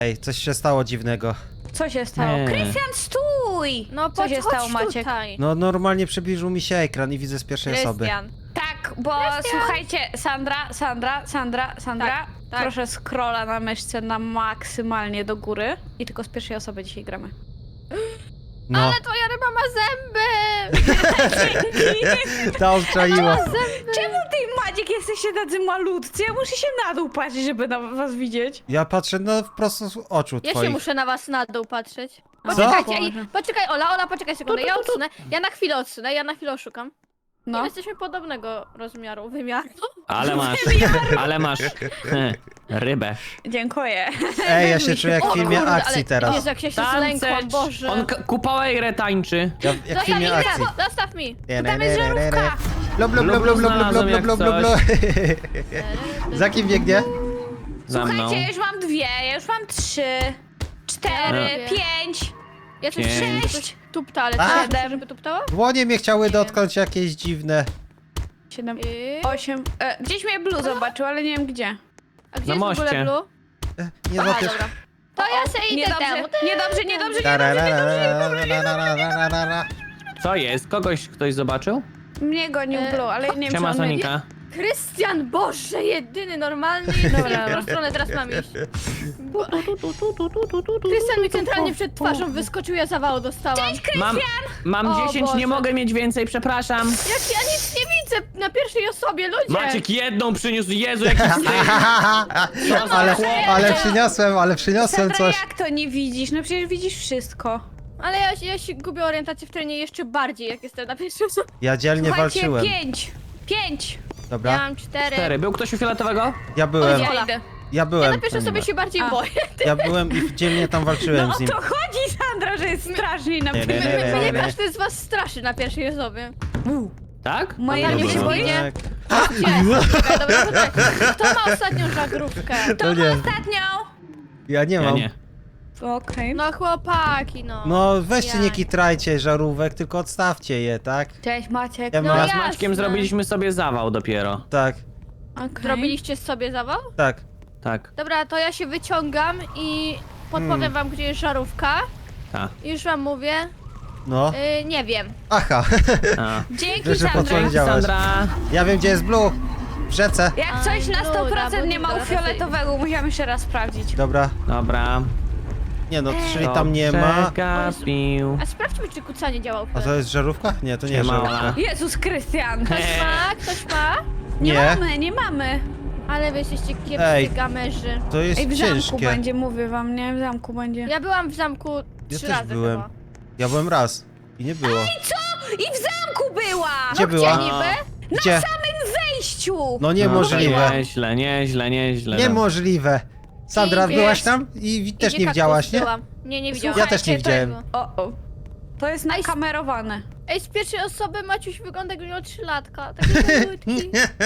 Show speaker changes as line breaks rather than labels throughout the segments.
Ej, coś się stało dziwnego.
Co się stało?
Nie.
Krystian, stój!
No
Co się stało, Maciek?
Tutaj.
No normalnie przybliżył mi się ekran i widzę z pierwszej osoby.
Krystian.
Tak, bo słuchajcie, Sandra,
tak.
proszę scrolla na myszce na maksymalnie do góry i tylko z pierwszej osoby dzisiaj gramy.
No,
Ale twoja ryba ma zęby!
ta odczaiła.
Czemu ty i Maciek jesteście tacy malutcy? Ja muszę się na dół patrzeć, żeby was widzieć.
Ja patrzę no prosto z oczu
Ja się
twoich.
muszę na was na dół patrzeć.
Co?
Poczekajcie, poczekaj Ola, poczekaj sekundę, ja odsunę. Ja na chwilę odsunę, ja na chwilę oszukam. No.
No.
Jesteśmy podobnego wymiaru.
Ale masz rybę.
Dziękuję.
Ej, ja się czuję jak w
O
filmie
kurde,
akcji
ale
teraz.
Jezu, jak ja się zlękłam, Boże.
On kupałejrę tańczy.
Ja, jak w
Zostaw
filmie
mi,
akcji.
zostaw mi.
Tam jest żarówka.
Blub, blub, blub, blub, blub, blub, blub, blub, blub, blub. Za kim biegnie?
Za mną.
Słuchajcie, ja już mam 2, ja już mam 3, 4,
Ja
5.
Ja coś
Pięć.
coś tupta, ale
A.
co chcesz, żeby tuptała?
Dłonie mnie chciały dotknąć jakieś dziwne.
7,
I...
8. Gdzieś mnie Blue zobaczył, ale nie wiem gdzie.
A gdzie
Na
jest w ogóle
moście.
Blue?
Nie
Aha,
dopiero.
dobra. To ja se idę temu.
Niedobrze.
Co jest? Ktoś zobaczył?
Mnie gonił Blue, ale nie wiem, czy
Siema
on
Sonika.
Krystian, Boże, jedyny normalny. Dobra, w którą stronę teraz mam iść? Krystian mi centralnie przed twarzą wyskoczył, ja zawału dostałam.
Mam
O
10, nie
Boże.
mogę mieć więcej, przepraszam.
Jak ja nic nie widzę na pierwszej osobie, ludzie!
Maciek jedną przyniósł, Jezu, jaki wstyd.
Ale przyniosłem
Sandra,
coś.
jak to nie widzisz? No przecież widzisz wszystko.
Ale ja się gubię orientację w terenie jeszcze bardziej, jak jestem na pierwszej osobie.
Ja dzielnie
Słuchajcie,
walczyłem.
5.
Ja
Dobra,
mam 4.
4. Był ktoś u fioletowego?
ja byłem.
Ja
Ola.
idę.
Ja
Ja
byłem.
na pierwszej osobie się bardziej
A.
boję.
Ja byłem i dzielnie tam walczyłem
No
z
o
nim.
to chodzi, Sandra, że jest straszniej na
Nie, nie,
pewno.
nie, nie.
Mnie każdy z was straszy na pierwszej osobie.
Tak?
Moja
Dobra,
nie się
dobra.
boi?
Tak.
Czekaj, dobra, poczekaj. Kto ma ostatnią żaglówkę?
To nie.
Ostatnią.
Ja nie
Ja
mam.
nie.
Okej.
No chłopaki, no.
No weźcie nie
Jak?
kitrajcie żarówek, tylko odstawcie je, tak?
Cześć Maciek.
Ja
No
mam-
Ja z
jasne.
Maćkiem zrobiliśmy sobie zawał dopiero.
Tak,
Okay.
Zrobiliście sobie zawał?
tak.
Tak,
Dobra, to ja się wyciągam i podpowiem wam, gdzie jest żarówka.
tak.
I już wam mówię.
No.
Nie wiem.
Aha.
A.
Dzięki,
Że
Sandra.
podpowiedziałaś.
Sandra.
Ja wiem gdzie jest Blue. W rzece.
Jak coś na
Dobra,
100% nie ma u
dobra,
fioletowego, musiałam jeszcze raz sprawdzić.
Dobra.
Dobra.
Nie no, czyli tam nie ma.
Przegapił.
A sprawdźmy, czy kucanie działa u
A to jest żarówka? Nie, to nie jest
Siema,
żarówka.
Ola.
Jezus Krystian.
Ktoś ma? Ktoś ma?
Nie mamy.
Ale wy jesteście kiepscy
Ej.
gamerzy.
To jest
Ej, w zamku
ciężkie.
będzie, mówię wam, nie? W zamku będzie.
Ja byłam w zamku
Ja
3
też
razy
byłem.
chyba.
Ja byłem raz. I nie było.
I w zamku była!
Gdzie była?
Niby?
Gdzie?
Wejściu!
No niemożliwe.
Nieźle.
Niemożliwe. Sandra,
Idzie.
byłaś tam? I też
Idzie
nie
kaktus,
widziałaś, nie?
byłam. Nie widziałam.
Ja też nie
Słuchajcie,
widziałem.
O. To jest nakamerowane.
Ej, z pierwszej osoby Maciuś wygląda jakby miał 3-latka. Taki malutki.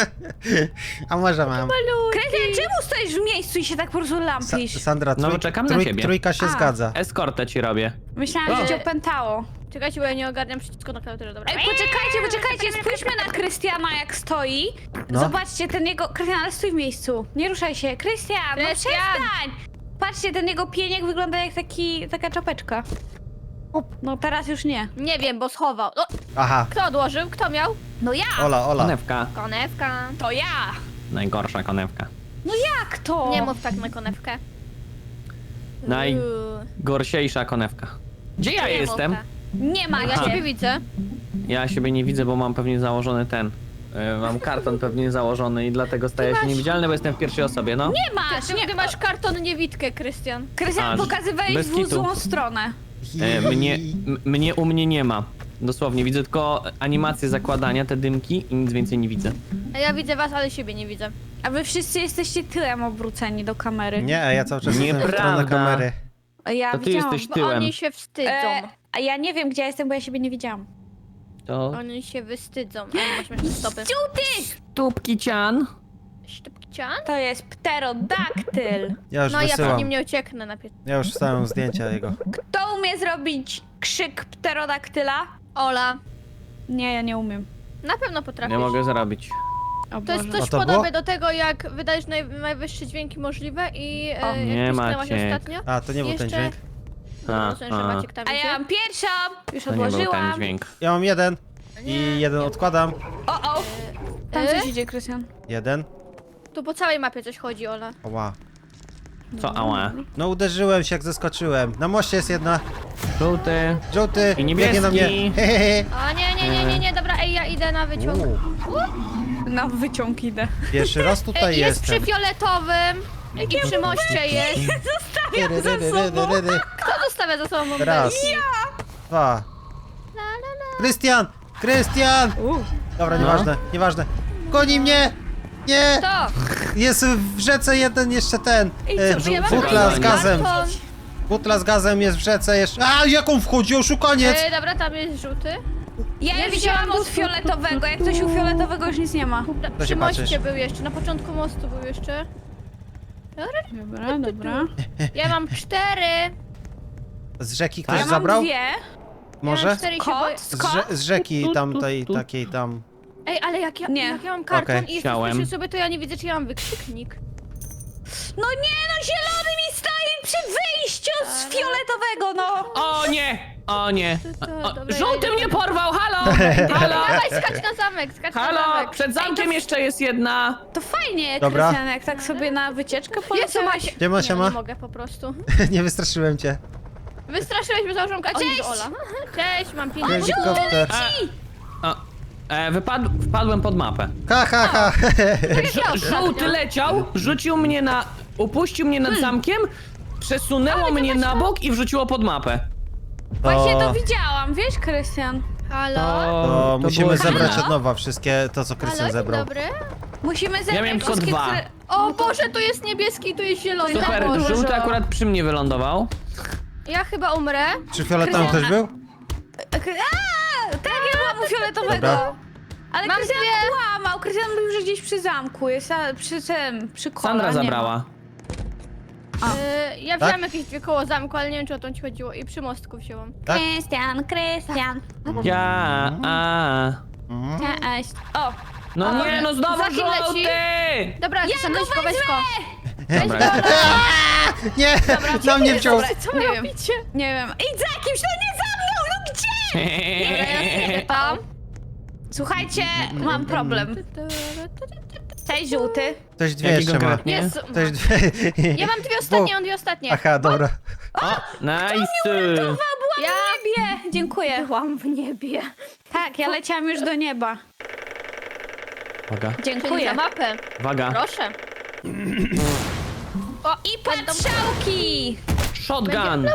A może mam.
Krystian, czemu stoisz w miejscu i się tak po prostu lampisz?
Sandra,
No, czekam na ciebie.
trójka się
A.
zgadza.
Eskortę ci robię.
Myślałam,
O.
że cię opętało.
Czekajcie, bo ja nie ogarniam przycisku na klawiaturze. Dobra.
Ej, poczekajcie, spójrzmy na Krystiana jak stoi.
No.
Zobaczcie, ten jego... Krystian, ale stój w miejscu. Nie ruszaj się. Krystian, no
Krystian!
przestań! Patrzcie, ten jego pieniek wygląda jak taka czapeczka. No teraz już nie.
Nie wiem, bo schował. O,
Aha,
kto odłożył? Kto miał?
No ja!
Ola.
Konewka.
Konewka.
To ja!
Najgorsza konewka.
Jak to?
Nie mów tak na konewkę.
Najgorsiejsza konewka. Gdzie ja
Nie mów
jestem?
tak.
Nie ma
Ja
Aha.
ciebie widzę.
Ja siebie nie widzę, bo mam pewnie założony ten. Mam karton pewnie założony i dlatego staję się niewidzialny, bo jestem w pierwszej osobie, no.
Nie masz!
Ty masz karton niewidkę, Krystian.
Krystian,
A,
pokazywałeś
bez
w
kitu.
złą stronę.
Mnie u mnie nie ma. Dosłownie, widzę tylko animację zakładania, te dymki i nic więcej nie widzę.
A ja widzę was, ale siebie nie widzę.
A wy wszyscy jesteście tyłem obróceni do kamery.
Nie, ja cały czas jestem w stronę
Nieprawda.
kamery.
Ja
To ty
widziałam.
jesteś
Bo
tyłem.
oni się wstydzą.
A ja nie wiem, gdzie ja jestem, bo ja siebie nie widziałam.
To
Oni się wystydzą. A masz jeszcze stopy.
tubki cian.
Sztupcian?
To jest pterodaktyl.
Ja już
No ja po
wysyłam.
nim nie ucieknę na
Ja już wstałem zdjęcia jego.
Kto umie zrobić krzyk pterodaktyla?
Ola.
Nie, ja nie umiem.
Na pewno potrafisz.
Nie mogę zrobić.
O
To jest
Boże.
coś
A to było?
podobne do tego, jak wydajesz najwyższe dźwięki możliwe i
O,
nie,
jak pisnęłaś
Maciek.
ostatnio.
A, to nie był ten
Jeszcze-
dźwięk.
A,
Rozumiem, że Maciek tam
A ja
idzie.
mam pierwszą! Już
to nie był ten
odłożyłam.
dźwięk.
Ja mam jeden. I jeden odkładam.
O! Tam coś idzie, Krystian.
Jeden.
Tu po całej mapie coś chodzi, Ola.
Oła.
Co, ała?
No uderzyłem się jak zeskoczyłem. Na moście jest jedna.
Żółty.
Żółty.
I
biegnie na mnie.
niebieski.
Hehehe.
O nie, dobra, ej, ja idę na wyciąg.
Na wyciąg idę.
Pierwszy raz tutaj
Jest przy
jestem.
fioletowym i przy moście jest.
Zostawiam za sobą.
Kto zostawia za sobą bombę?
Raz. Dwa. Krystian! Krystian! Dobra, nieważne, nieważne. Goni mnie! Nie!
To!
Jest w rzece jeden jeszcze ten.
Ja mam
Butla z
karton.
gazem. Butla z gazem jest w rzece jeszcze. A, jak on wchodzi? Oszukaniec!
Dobra, tam jest żółty.
Ja
Ja
już wzięłam
wzięłam
od fioletowego. Jak ktoś u fioletowego już nic nie ma.
To się
Przy moście
patrzysz.
był jeszcze, na początku mostu był jeszcze.
Dobra.
Ja mam 4.
Z rzeki ktoś
Ja mam
zabrał?
2.
Ja
Może?
mam 4 i się boję.
Kot?
Z rzeki tamtej, takiej tam.
Ej, ale jak ja,
Nie.
jak ja mam karton
Okej.
i
Chciałem.
jeszcze sobie, to ja nie widzę, czy ja mam wykrzyknik.
No nie, no zielony mi stoi przy wyjściu z fioletowego, no!
O nie! O nie! O,
Dobra,
żółty
ja
mnie
idę.
porwał! Halo! Halo!
Dawaj, skacz na zamek, skacz na
Halo!
zamek.
Przed zamkiem jeszcze jest jedna!
To fajnie,
Dobra.
Krystian, jak tak sobie na wycieczkę
Jezu,
poleciałeś.
Macie.
Siema,
Nie,
siema.
nie mogę po prostu.
Nie wystraszyłem cię.
Wystraszyłeś mnie założonka.
Cześć!
Ola. Cześć, mam 5
Helikopter.
Wpadłem pod mapę.
Ha, ha, ha.
Żółty leciał, rzucił mnie na... upuścił mnie nad zamkiem, przesunęło mnie na bok i wrzuciło pod mapę.
Właśnie to widziałam, wiesz, Krystian?
Halo?
To musimy
było-
zebrać
Halo?
od nowa wszystkie to, co Krystian
Halo, dzień
zebrał.
dobry.
Musimy zebrać
miałem tylko
wszystkie,
2.
które...
O Boże, tu jest niebieski i tu jest zielony.
Super,
Boże.
żółty akurat przy mnie wylądował.
Ja chyba umrę.
Czy fioletowym ktoś był?
Tak, ja mam fioletowego.
Dobra.
Ale
Mam
Krystian
dwie.
kłamał. Krystian mówił, że gdzieś przy zamku jest, a przy tym, przy kole.
Sandra
nie ma.
zabrała.
Ja wziąłem jakieś 2 koło zamku, ale nie wiem, czy o to ci chodziło. I przy mostku wziąłem.
Tak?
Krystian.
Ja,
Cześć. O,
No nie, no znowu
Za kim leci?
żółty!
Dobra,
Ja
weź
go
go, weź go.
Dobra,
Nie! Na mnie wciął.
Co
Nie
wy
wiem.
robicie?
nie wiem. Idź za kimś, no nie za mną, no gdzie?
Dobra, ja idę tam.
Słuchajcie, mam problem. Cześć, żółty.
Ktoś dwie
Jaki
jeszcze ma.
konkretnie?
Jezu.
Ktoś dwie.
Ja mam 2 ostatnie, on 2 ostatnie.
Aha, dobra.
Nice!
Byłam
Ja
w niebie. Dziękuję.
byłam w niebie.
Tak, ja leciałam już do nieba.
Uwaga,
Czyli
Dziękuję.
za mapę.
uwaga.
Proszę.
I patrzałki.
Shotgun!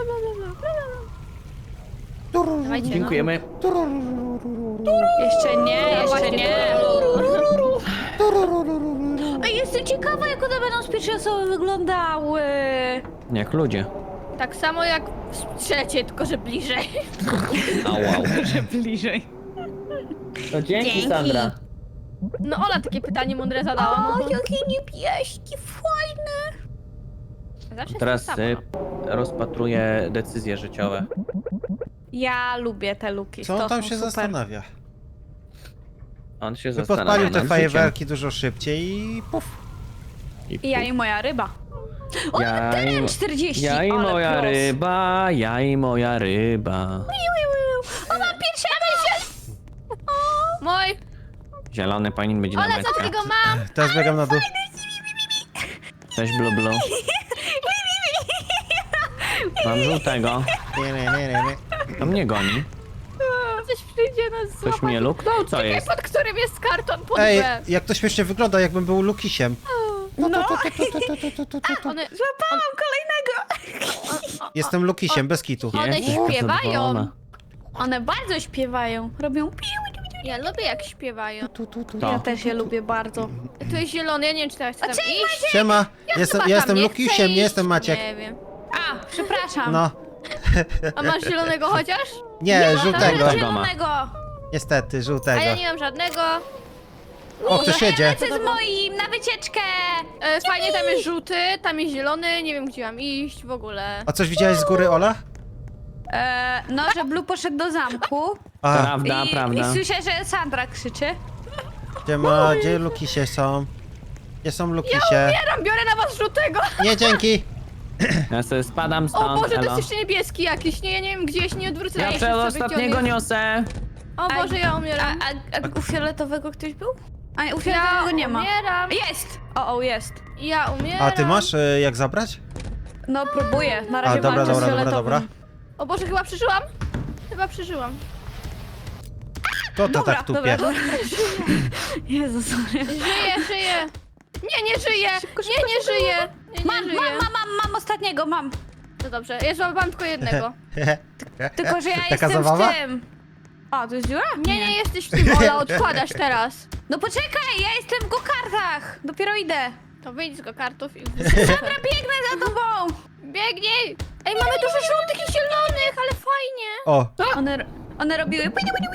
Dawajcie, no.
Dziękujemy.
Jeszcze nie, jeszcze
Właśnie.
nie. Ej, jestem ciekawa, jak one będą z pierwszej osoby wyglądały.
Jak ludzie.
Tak samo jak w trzeciej, tylko że bliżej.
Au, au.
Bliżej.
To dzięki,
Dzięki.
Sandra.
No Ola takie pytanie mądre zadała. No to...
jakie niebieski, fajne.
Zawsze
Teraz
jest to samo.
rozpatruję decyzje życiowe.
Ja lubię te luki.
Co
to
on tam
są
się
super.
zastanawia?
On się
By
zastanawia
podpalił te
nad
fajerwerki dużo szybciej i puf.
życiem.
I ja i moja ryba. O,
Ja i-
teren 40.
Ja i
ale
moja
plus.
ryba, ja i moja ryba.
O, mam pierwszego!
Mój!
Zielony powinien być na
Ola, co
metkę.
takiego mam?
Teraz biegam na dół.
Cześć, blu blu. Mam żółtego. To mnie goni.
Coś przyjdzie nas
Ktoś
złapać.
mnie luknął? Co
Czekaj,
jest?
pod którym jest karton pod
Ej,
B.
jak to śmiesznie wygląda, jakbym był Lukisiem.
No,
One,
złapałam kolejnego.
Jestem Lukisiem, bez kitu.
One
Jest?
śpiewają.
Zadowolona.
One bardzo śpiewają. Robią piu.
Ja lubię jak śpiewają.
Ja
To.
też je lubię bardzo.
Tu jest zielony, ja nie wiem, czy teraz chcę tam iść.
Siema,
Ja
jestem,
chyba
ja
tam
jestem
nie
Lukisiem,
chcę
nie
iść.
jestem Maciek.
Nie wiem.
A, przepraszam.
No,
A masz zielonego chociaż?
nie, żółtego.
Zielonego.
Niestety,
A
żółtego.
ja nie mam żadnego.
O, ktoś jedzie.
Lecę z moim na wycieczkę.
Fajnie, tam jest żółty, tam jest zielony, nie wiem gdzie mam iść w ogóle.
A coś widziałeś z góry, Ola?
No, że Blue poszedł do zamku.
A,
Prawda, prawda.
I słyszę, że Sandra krzyczy.
Gdzie Lukisie są? Gdzie są Lukisie?
Biorę na was żółtego!
Nie, dzięki!
Ja sobie spadam
O
stąd,
Boże, to
elo.
jest jeszcze niebieski jakiś. Nie, ja nie wiem gdzie, ja się nie odwrócę.
Ja
na
przed
miejscu,
ostatniego
gdzie on jest.
niosę.
O Boże, ja umieram.
A u fioletowego ktoś był? A nie, u fioletowego
Ja
nie ma.
umieram.
Jest! O, jest.
Ja umieram.
A ty masz jak zabrać?
No próbuję, na razie
dobra,
walczę z
dobra,
fioletowym.
dobra.
O Boże, chyba przeżyłam. Chyba przeżyłam.
Kto to
Dobra,
tak
dobra,
tupie?
dobra. Jezus.
Żyję. Nie żyję. Nie żyję. Nie żyję.
Mam ostatniego, mam.
To dobrze, ja złapałam tylko jednego.
Tylko, że ja
Taka
jestem
zabawa?
w tym. A, to jest dziura?
Nie jesteś w tym, Ola, odkładasz teraz.
No poczekaj, ja jestem w go-kartach. Dopiero idę.
To wyjdź z go kartów i...
Dobra, biegnę za tobą.
Biegnij! Ej, mamy dużo żółtych i zielonych, ale fajnie!
O,
One robiły...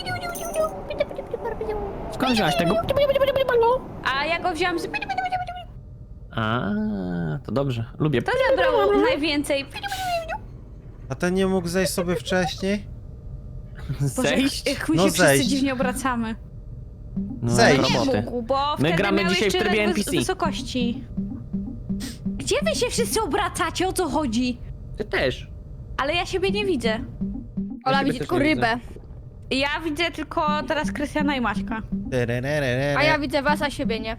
Skąd wziąłeś tego?
A ja go wziąłam z...
A, to dobrze. Lubię.
To zabrało najwięcej.
a ten nie mógł zejść sobie wcześniej?
Zejść?
Jak my
No
się wszyscy
zejść.
dziwnie obracamy.
No,
Zejść.
Nie
roboty.
mógł, bo
My
wtedy
gramy
miał
dzisiaj w
jeszcze
trybie
ledwo
NPC.
wysokości. Gdzie wy się wszyscy obracacie? O co chodzi?
Ty też.
Ale ja siebie nie widzę.
Ola
siebie
widzi
też
tylko
nie
rybę.
Ja widzę tylko teraz Krystiana i Maćka.
A ja widzę was, a siebie nie.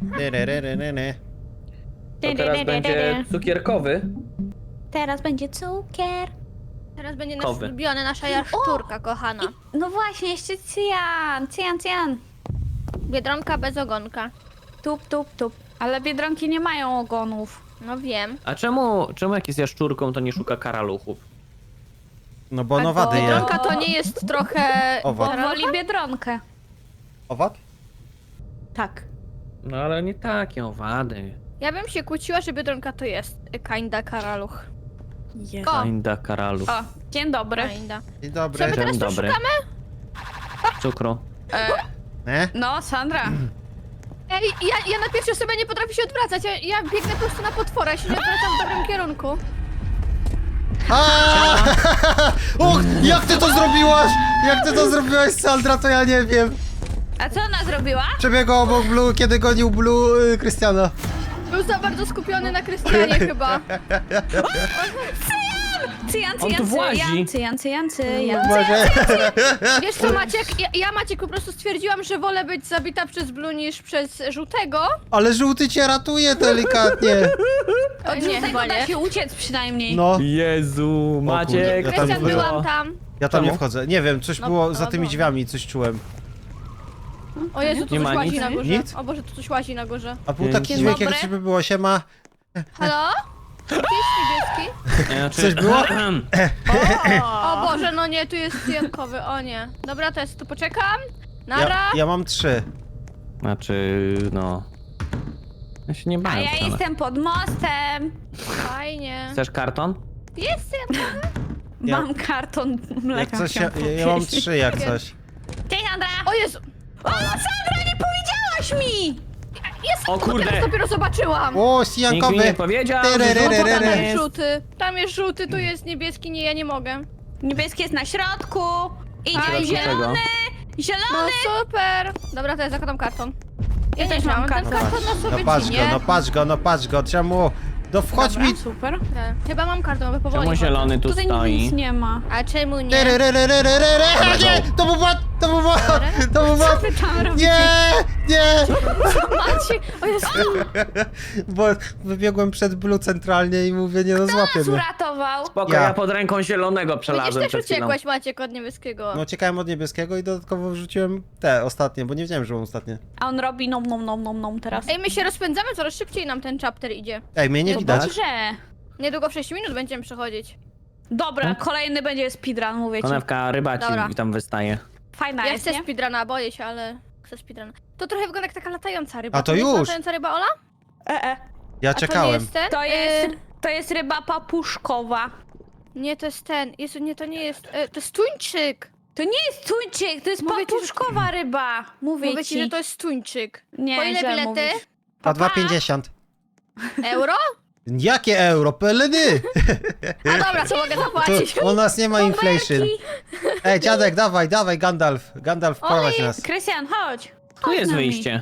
To teraz będzie cukierkowy.
Teraz będzie cukier.
Teraz będzie nasz
Kowy.
ulubiony, nasza jaszczurka kochana.
No właśnie, jeszcze cyjan.
Biedronka bez ogonka.
Tup. Ale biedronki nie mają ogonów.
No wiem.
A czemu jak jest jaszczurką, to nie szuka karaluchów?
No bo nowady je.
Biedronka to nie jest trochę...
Owad.
Bo woli biedronkę.
Owad?
Tak.
No ale nie takie owady.
Ja bym się kłóciła, że biedronka to jest kinda karaluch.
O,
Kinda karaluch.
o, dzień dobry.
Kinda.
Dzień dobry.
Co my teraz
Dzień
tu
dobry.
szukamy?
Cukru.
No, Sandra.
Ej, ja na pierwszej osobie nie potrafię się odwracać. Ja biegnę po prostu na potwora, ja się nie odwracam w dobrym kierunku.
Och, jak ty to zrobiłaś? Jak ty to zrobiłaś, Sandra, to ja nie wiem.
A co ona zrobiła?
Przebiegał obok Blue, kiedy gonił Blue Krystiana.
Był za bardzo skupiony na Krystianie chyba.
On tu włazi.
Cyjan.
Może...
Wiesz co, Maciek? Ja Maciek po prostu stwierdziłam, że wolę być zabita przez Blue niż przez żółtego.
Ale żółty cię ratuje delikatnie.
Od
Nie,
żółtego
chyba
da
nie.
się uciec przynajmniej.
No,
Jezu, Maciek.
Ja tam
Krystian,
wchodzę.
byłam tam.
ja tam nie
Czemu?
wchodzę. Nie wiem, coś
No,
było za
no,
tymi
było.
drzwiami, coś czułem.
O Jezu, tu
Nie
coś
ma
łazi
nic?
na górze.
Nic?
O Boże, tu coś łazi na górze.
A był
Dzień
taki dźwięk, jak
dobry.
żeby było siema.
Halo? Gdzie jest niebieski?
Znaczy...
Coś było?
O Boże, no nie, tu jest cyjankowy, o nie. Dobra, to jest, tu poczekam. Nara.
Ja mam 3.
Znaczy, no... Ja się nie
A
bałem
ja
wcale.
jestem pod mostem.
Fajnie.
Chcesz karton?
Jest cyjankowy?
Ja-
Mam karton mleka.
Jak coś, ja
chciałam
mam
powiedzieć.
3 jak coś.
Cześć, Sandra.
O Jezu.
O, Sandra, nie powiedziałaś mi!
Jest,
O
bo
kurde.
teraz dopiero zobaczyłam.
O,
Nikt mi nie
sijankowy.
powiedział, że
Tyryryryryry.
żółta
Tam
tam
jest
jest.
żółty. Tam jest żółty, tu jest niebieski, nie, ja nie mogę.
Niebieski jest na środku. Idzie
Fajnie.
zielony.
No
Zielony.
super. Dobra, to ja zakładam karton.
Ja też mam
Ten
karton.
karton na sobie
No patrz
dzinie.
go, no patrz go, czemu? No wchodź
Dobra,
mi!
super.
Chyba mam karton, bo powoli.
Czemu
chodzę.
zielony tu
Tutaj
stoi?
nic nie ma.
A czemu nie?
Tyryryryryryryry. A nie! To był bot! To był bot! To był bot!
Wy tam robicie?
Nie!
Macie. O Jezu.
Bo wybiegłem przed Blue centralnie i mówię, nie no złapię
Nas
mnie.
uratował.
Spoko,
Ja.
ja pod ręką zielonego
Widzisz,
przelazłem
też
przed chwilą.
uciekłeś, Maciek, od niebieskiego.
No uciekałem od niebieskiego i dodatkowo wrzuciłem te ostatnie, bo nie wiedziałem, że mam ostatnie.
A on robi nom teraz.
Ej, my się rozpędzamy, coraz szybciej nam ten chapter idzie.
Ej, mnie nie
No
widać.
dobrze.
Niedługo w 6 minut będziemy przechodzić.
Dobra, kolejny będzie speedrun, mówię ci.
Konewka ryba
Dobra.
ci tam wystaje.
Fajna
Ja
jest,
chcę
nie?
speedruna, boję się, ale chcę speedruna. To trochę wygląda jak taka latająca ryba.
A to
nie jest
już.
latająca ryba, Ola?
Ja
A to nie
czekałem.
jest ten?
To jest ryba papuszkowa.
Nie, to jest ten. Jezu, nie, to nie jest. To jest tuńczyk.
To nie jest tuńczyk, to jest
Mówię ci, że-
papuszkowa ryba. Mówię
Mówię
ci.
ci, że to jest tuńczyk.
Nie,
Po ile
źle
bilety?
mówisz.
Po 2,50.
Euro?
Jakie euro? Peledy!
A dobra, co mogę zapłacić?
Tu u nas nie ma inflation.
Bąbelki.
Ej, dziadek, dawaj, Gandalf. Gandalf, prowadź nas.
Krystian, chodź.
Tu
Chodź
jest
z nami.
wyjście.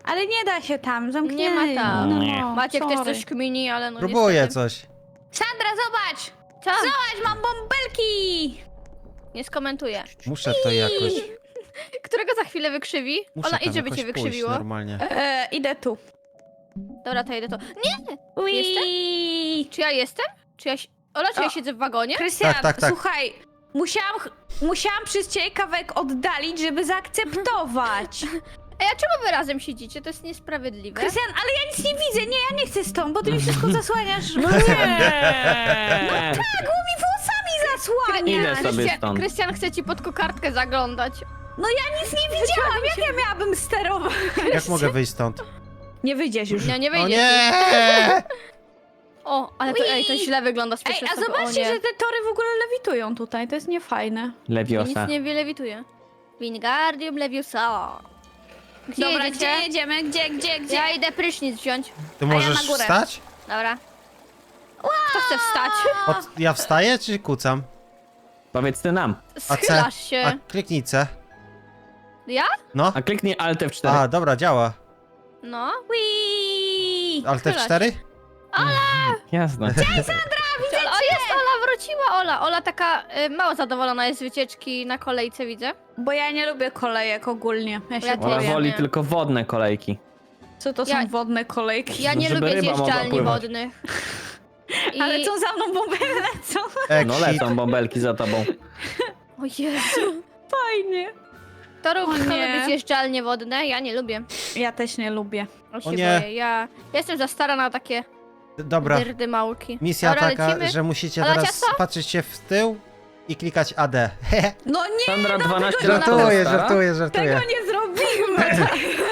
Ale nie da się tam, zamknięty.
Nie ma tam.
Nie.
Maciek też
sorry.
coś kmini, ale no
Próbuję
niestety.
coś.
Sandra, zobacz!
Co?
Zobacz, mam bąbelki!
Nie skomentuję.
Muszę to jakoś...
Którego za chwilę wykrzywi?
Muszę
Ola,
tam
idź, żeby
jakoś
cię
pójść
wykrzywiło.
normalnie.
Idę tu.
Dobra, to jedę to. Nie!
Ui.
Czy ja jestem? Czy ja... Ola, czy ja
O.
siedzę w wagonie?
Krystian,
Tak, tak, tak.
słuchaj, musiałam przez ciebie kawałek oddalić, żeby zaakceptować.
Ej, a czemu wy razem siedzicie? To jest niesprawiedliwe.
Krystian, ale ja nic nie widzę, nie, ja nie chcę stąd, bo ty mi wszystko zasłaniasz.
No nie!
Tak, bo mi włosami zasłaniasz.
Idę sobie stąd.
Krystian chce ci pod kokardkę zaglądać.
No ja nic nie widziałam, jak ja miałabym sterować?
Jak mogę wyjść stąd?
Nie wyjdziesz już.
Nie, nie
O
wyjdzie.
nie!
O, ale to,
Ui.
to źle wygląda z
Ej,
pierwszej
a
osoby.
zobaczcie,
O nie.
że te tory w ogóle lewitują tutaj, to jest niefajne.
Nic
Lewiosa.
nie lewituje. Wingardium Leviosa. Gdzie
Dobra,
jedziecie?
gdzie jedziemy? Gdzie?
Ja idę prysznic wziąć.
Ty
ja
możesz
na górę.
wstać?
Dobra. Kto chce wstać?
Ja wstaję czy kucam?
Powiedz ty nam.
A C?
Schylasz się.
A kliknij C.
Ja?
No.
A kliknij Alt F4.
A, dobra, działa.
No.
Wii!
Alt
Schylasz.
F4?
Jasne.
O, jest Ola, wróciła Ola. Ola taka mało zadowolona jest z wycieczki na kolejce, widzę.
Bo ja nie lubię kolejek ogólnie. Ja się
Ja
Ola
też.
boję.
woli
Nie.
tylko wodne kolejki.
Co to
Ja-
są wodne kolejki?
Ja nie
Żeby
lubię
ryba mogła
zjeżdżalni
pływać.
wodnych. I...
Ale co za mną bomby lecą?
No
Exit.
lecą bąbelki za tobą.
O Jezu.
Fajnie.
To rób,
O
kto
nie.
lubi zjeżdżalnie wodne? Ja nie lubię.
Ja też nie lubię.
O się
nie.
boję. Ja jestem za stara na takie
Dobra.
dyrdy małki.
Misja
Dobra,
taka,
lecimy.
że musicie
Ola,
teraz
ciasto?
patrzeć się w tył i klikać AD.
No nie,
Sandra 12 lat
Żartuję,
stara?
żartuję,
tego
żartuję.
nie zrobimy.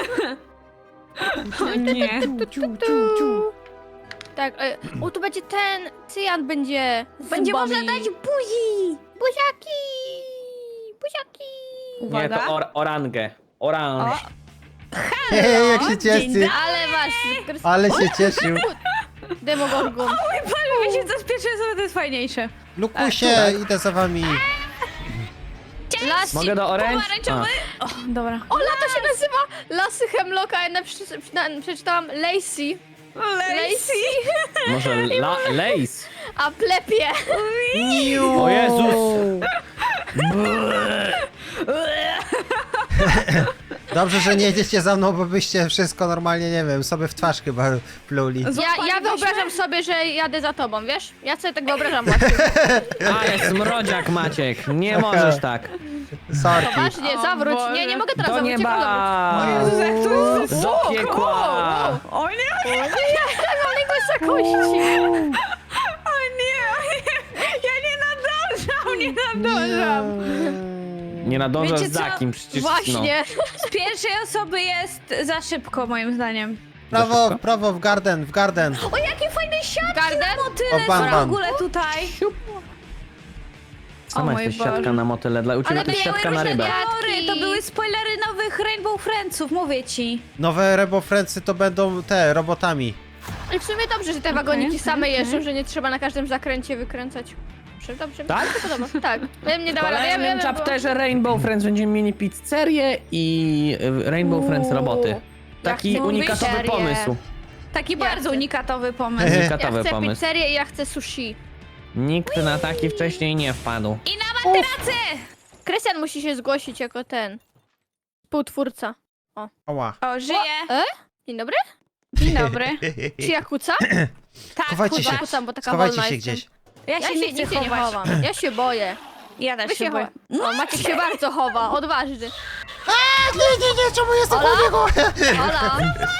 O nie.
Tak, o tu będzie ten, cyjan będzie z
Będzie
zębami.
można dać buzi.
Buziaki! Buziaki!
Nie,
Uwaga.
to orangę. Oranż.
Hej, jak się
dzień
cieszy.
Ale masz,
Ale się cieszył.
Demogorgon.
Panie, wiecie co, z pierwszej osoby to jest fajniejsze.
Lukusie, idę za wami.
Las...
Mogę do orange?
Pomarańczowy. O, dobra.
Ola, to się nazywa Lasy Hemlocka, ja przeczytałam Lacey.
Lazy.
Może lace?
A plepie.
O Jezus!
Dobrze, że nie jedziecie za mną, bo byście wszystko normalnie, nie wiem, sobie w twarz chyba pluli.
Ja wyobrażam sobie, że jadę za tobą, wiesz? Ja sobie tak wyobrażam właśnie.
Ale smrodziak Maciek, nie możesz tak.
Sorki.
Poważnie,
O
zawróć.
Boże.
Nie mogę teraz
Do
zawrócić.
nieba!
Jezus, jak to jest
Do piekła!
O nie,
Ale wysokości.
o nie. Ja nie nadążam.
Nie nadążasz
Wiecie co?
za kim, przecież
Właśnie.
Z pierwszej osoby jest za szybko, moim zdaniem.
Prawo, prawo, w garden, w garden.
O, jakie fajne siatki
Garden?
na motyle
O, bam,
są w
bam.
ogóle tutaj.
Sama
O mój
jesteś siatka
Boże.
na motyle, dla u ciebie
Ale
to jest
były
siatka na
różne
rybę.
diary.
To były spoilery nowych Rainbow Friendsów, mówię ci.
Nowe Rebo Friendsy to będą te, robotami.
Ale w sumie dobrze, że te wagoniki
Okej,
same
okej.
jeżdżą, że nie trzeba na każdym zakręcie wykręcać. Dobrze,
Tak?
mi się podoba. Tak. Ja bym nie
W
dała rady.
kolejnym chapterze Rainbow Friends będziemy mieli pizzerię i Rainbow Friends roboty. Taki
chcę
unikatowy
pizzerię.
pomysł.
Taki
Ja
bardzo
chcę.
unikatowy pomysł.
Ja
Unikatowy
chcę
pomysł.
pizzerię i ja chcę sushi.
Nikt na taki wcześniej nie wpadł.
I na materacy!
Krystian musi się zgłosić jako ten współtwórca.
Oła.
O, żyje.
Dzień dobry?
Dzień dobry.
Czy ja kucam?
Tak,
Chowajcie
kurwa.
się,
Kucam, bo taka
schowajcie
wolna
się
jestem.
gdzieś.
Ja
Ja
się
się
nie chcę
nigdzie nie
chować.
chowam. Ja się boję.
Ja też
Wy
się
się
boję.
O, Maciek się bardzo chowa, odważny.
Nie, czemu jestem
Ola?
po niego?
Ola,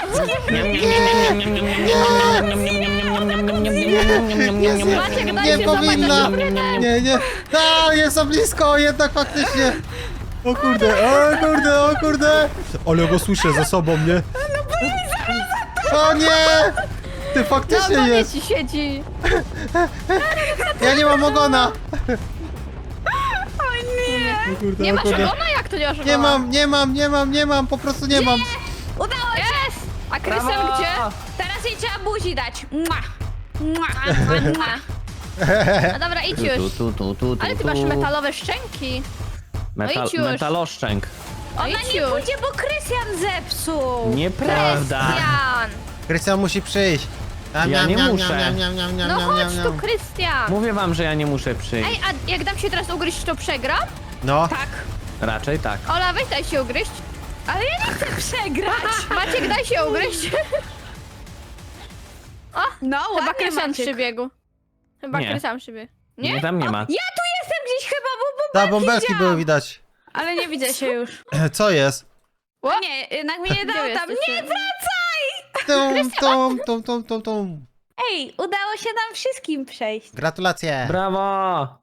Maciek, daj
Nie
się
powinna.
złapać na
Nie. A, jest za blisko, jednak faktycznie. O kurde. Ale go słyszę za sobą, nie? O nie! Ty
Na
faktycznie
ogonie
jest.
ci siedzi.
Ja nie mam ogona.
O nie!
O kurde,
Nie
o
masz
kurde.
ogona? Jak to nie masz ogona?
Nie mam, po prostu nie mam.
Udało się!
Jest! A Krystian
Brawo!
gdzie?
Teraz jej trzeba buzi dać. Mua. Mua. Mua.
No dobra, idź już. Ale ty masz metalowe szczęki. No idź już.
Metaloszczęk.
Ona
idź
nie
już.
pójdzie, bo Krystian zepsuł.
Nieprawda.
Krystian!
Krystian musi przyjść.
Ja nie muszę.
No chodź tu, Krystian!
Mówię wam, że ja nie muszę przyjść.
Ej, a jak dam się teraz ugryźć, to przegram?
No,
Tak.
Raczej tak.
Ola, weź daj się ugryźć.
Ale ja nie chcę przegrać.
Maciek, daj się ugryźć.
No,
Chyba
ładnie,
Krystian
Maciek.
przybiegł. Chyba
Nie.
Krystian przybiegł.
Nie, tam nie ma.
Ja tu jestem gdzieś chyba, bo
ta bąbelki
widziałam.
były widać.
Ale nie widzę się już.
Co jest?
O nie, jednak mnie nie dało
Gdzie
tam.
jesteście?
Nie, wracaj!
Tum.
Ej, udało się nam wszystkim przejść.
Gratulacje.
Brawo!